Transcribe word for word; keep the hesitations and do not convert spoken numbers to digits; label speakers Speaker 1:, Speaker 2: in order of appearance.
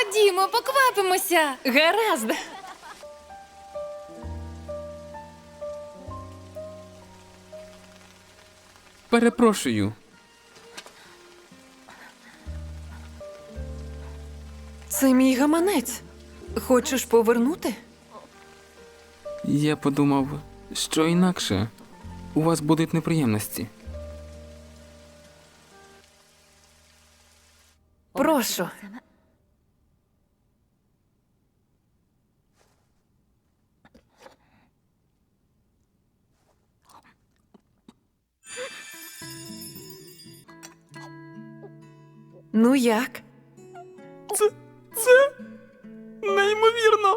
Speaker 1: Ходімо, поквапимося.
Speaker 2: Гаразд.
Speaker 3: Перепрошую.
Speaker 2: Це мій гаманець. Хочеш повернути?
Speaker 3: Я подумав, що інакше у вас будуть неприємності.
Speaker 2: Прошу. Ну як?
Speaker 3: Це... це... неймовірно!